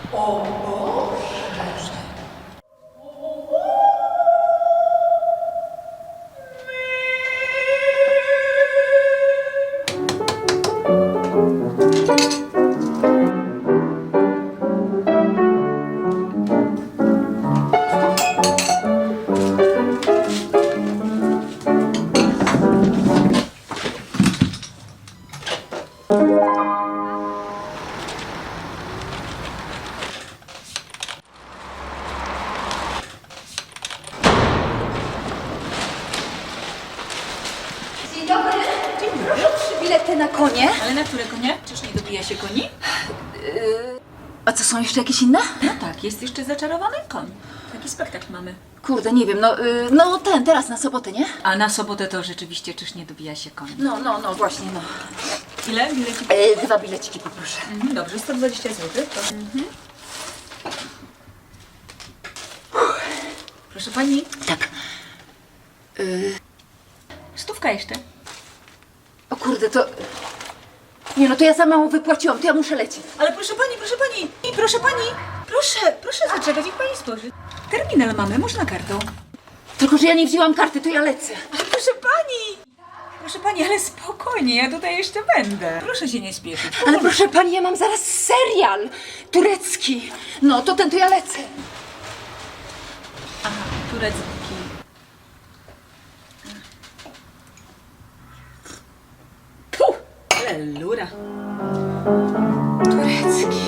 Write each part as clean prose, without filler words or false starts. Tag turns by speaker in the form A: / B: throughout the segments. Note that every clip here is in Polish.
A: O Boże!
B: Dzień dobry.
C: Dzień dobry.
B: Proszę 3 bilety na konie.
C: Ale na które konie? Czyż nie dobija się koni?
B: A co, są jeszcze jakieś inne?
C: No tak, jest jeszcze zaczarowany koń. Taki spektakl mamy.
B: Kurde, nie wiem, no teraz na sobotę, nie?
C: A na sobotę to rzeczywiście czyż nie dobija się koń?
B: No, właśnie, no.
C: Ile bilecik?
B: 2 bileciki poproszę.
C: Dobrze, 120 zł. To... Proszę pani,
B: Tak.
C: stówka jeszcze.
B: O kurde, to... Nie no, to ja za mało wypłaciłam, to ja muszę lecieć.
C: Ale proszę pani, proszę zaczekać, niech pani spojrzy. Terminal mamy, można kartą.
B: Tylko, że ja nie wzięłam karty, to ja lecę.
C: Ale proszę pani, ale spokojnie, ja tutaj jeszcze będę. Proszę się nie spieszyć.
B: Ale proszę pani, ja mam zaraz serial turecki. No, to ja lecę.
C: Aha, turecki. Puh, ale lura.
B: Turecki.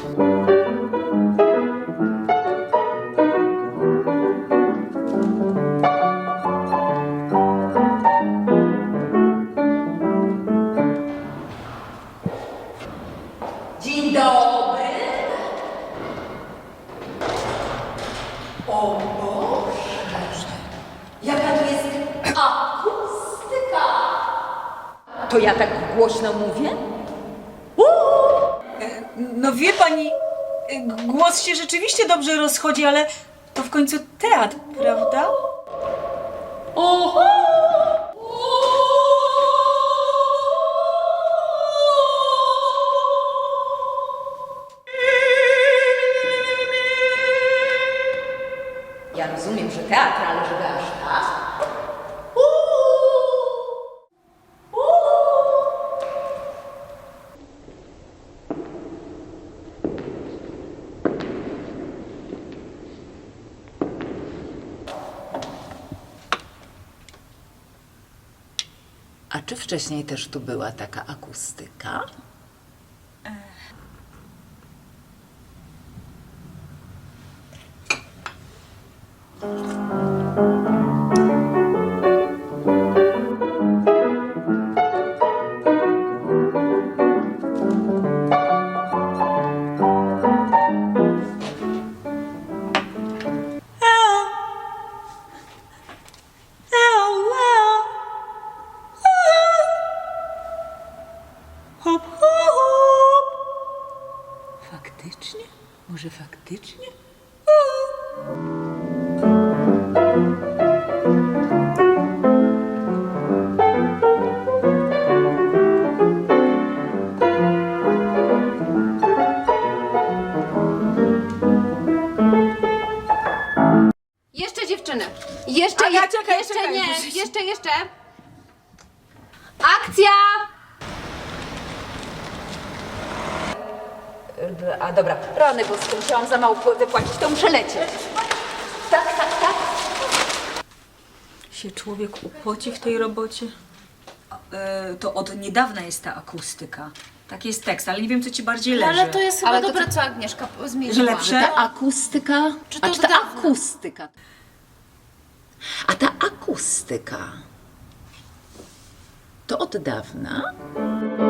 B: Dzień dobry. O Boże, jaka tu jest akustyka. To ja tak głośno mówię?
C: No wie pani, głos się rzeczywiście dobrze rozchodzi, ale to w końcu teatr, prawda?
B: Oho! Ja rozumiem, że teatr, ale żeby aż tak? A czy wcześniej też tu była taka akustyka?
C: Hop, hop. Faktycznie? Może faktycznie?
D: Jeszcze dziewczyny. Jeszcze,
C: Aga, czekaj,
D: jeszcze
C: czekaj,
D: nie.
C: muszę się-
D: Jeszcze. Akcja!
B: A dobra, rany boskie, musiałam za mało wypłacić, to muszę lecieć. Tak.
C: Się człowiek upoci w tej robocie. To od niedawna jest ta akustyka. Tak jest tekst, ale nie wiem, co ci bardziej leży.
D: Ale to jest chyba
B: Ale to
D: dobre, co Agnieszka zmieniła.
C: Że lepsze?
B: Ta akustyka?
D: Czy to
B: A czy ta
D: od dawna?
B: akustyka? A ta akustyka to od dawna?